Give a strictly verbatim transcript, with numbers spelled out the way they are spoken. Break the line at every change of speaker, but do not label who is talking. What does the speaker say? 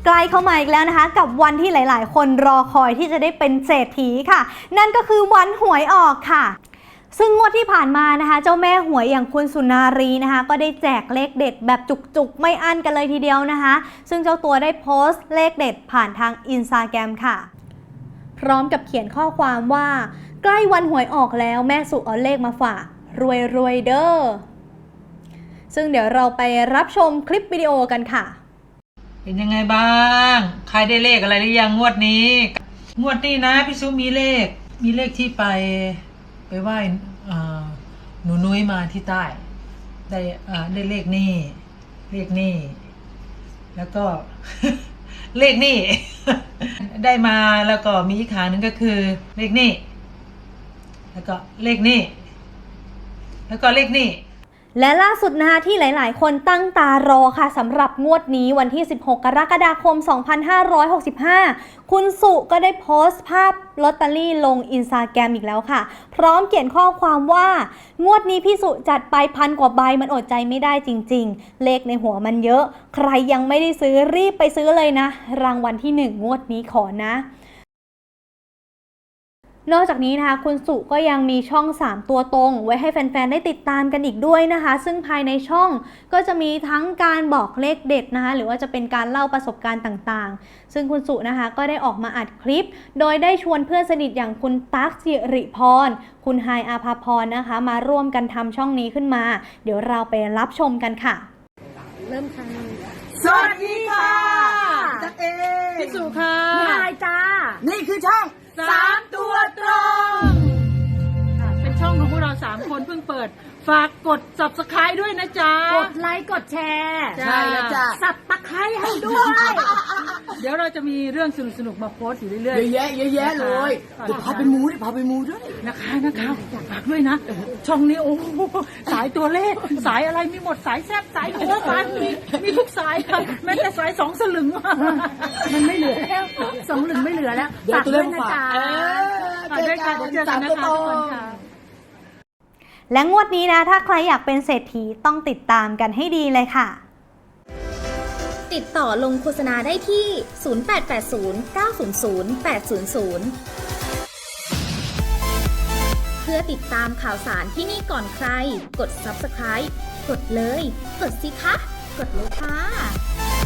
ใกล้เข้ามาอีกแล้วนะคะกับวันที่หลายๆ คนรอคอยที่จะได้เป็นเศรษฐีค่ะนั่นก็คือวันหวยออกค่ะซึ่งงวดที่ผ่านมานะคะเจ้าแม่หวยอย่างคุณสุนารีนะคะก็ได้แจกเลขเด็ดแบบจุกๆไม่อั้นกันเลยทีเดียวนะคะซึ่งเจ้าตัวได้โพสต์เลขเด็ดผ่านทางอินสตาแกรมค่ะพร้อมกับเขียนข้อความว่าใกล้วันหวยออกแล้วแม่สุเอาเลขมาฝากรวยรวยเด้อซึ่งเดี๋ยวเราไปรับชมคลิปวิดีโอกันค่ะ
เป็นยังไงบ้างใครได้เลขอะไรหรือยังงวดนี้งวดนี้นะพี่ซุมีเลขมีเลขที่ไปไปไหว้หนูนุ้ยมาที่ใต้ได้ได้เลขนี่เลขนี่แล้วก็ เลขนี่ ได้มาแล้วก็มีอีกขาหนึ่งก็คือเลขนี่แล้วก็เลขนี่แล้วก็เลขนี่
และล่าสุดนะคะที่หลายๆ คนตั้งตารอค่ะสำหรับงวดนี้วันที่สิบหกกรกฎาคมสองพันห้าร้อยหกสิบห้าคุณสุก็ได้โพสต์ภาพลอตเตอรี่ลงอินสตาแกรมอีกแล้วค่ะพร้อมเขียนข้อความว่างวดนี้พี่สุจัดไปพันกว่าใบมันอดใจไม่ได้จริงๆเลขในหัวมันเยอะใครยังไม่ได้ซื้อรีบไปซื้อเลยนะรางวัลที่หนึ่งงวดนี้ขอนะนอกจากนี้นะคะคุณสุก็ยังมีช่องสามตัวตรงไว้ให้แฟนๆได้ติดตามกันอีกด้วยนะคะซึ่งภายในช่องก็จะมีทั้งการบอกเลขเด็ดนะคะหรือว่าจะเป็นการเล่าประสบการณ์ต่างๆซึ่งคุณสุนะคะก็ได้ออกมาอัดคลิปโดยได้ชวนเพื่อนสนิทอย่างคุณตั๊กสิริพรคุณไฮอาภาพรนะคะมาร่วมกันทำช่องนี้ขึ้นมาเดี๋ยวเราไปรับชมกันค่ะ
เริ่มค่ะ
สวัสดีค่ะจักเอง
พี่สุค่ะ
นายจ้านี่คือช่องสามตัวตรง
เป็นช่องของพวกเราสามคนเพิ่งเปิดฝากกด ซับสไครบ์ ด้วยนะจ๊ะ
กดไลค์กดแชร์ใช่แล้วจ้ะสับตะไคร้ให้ด้วย
เดี๋ยวเราจะมีเรื่องสนุกๆมาโพสต์อยู่เรื่อยๆเย
อะแยะเยอะแยะเลยเดี๋ยวพาไปมูด้วยพาไปมูด้วย
นะคะนะคะอยากฝากด้วยนะช่องนี้โอ้สายตัวเลขสายอะไรมีหมดสายแซ่บสายหัวสายมีมีทุกสายค่ะแม้แต่สายสองสลึง
มันไม่เหลือแล้วสองสลึงไม่เหลือแล้ว
ฝากด้วยนะจ๊ะฝากด้วยค่ะเดี๋ยวเจอกันนะคะทุกคนค่ะ
และงวดนี้นะถ้าใครอยากเป็นเศรษฐีต้องติดตามกันให้ดีเลยค่ะ
ติดต่อลงโฆษณาได้ที่ ศูนย์ แปด แปด ศูนย์ เก้า ศูนย์ ศูนย์ แปด ศูนย์ ศูนย์ เพื่อติดตามข่าวสารที่นี่ก่อนใครกด ซับสไครบ์ กดเลยกดสิคะกดเลยค่ะ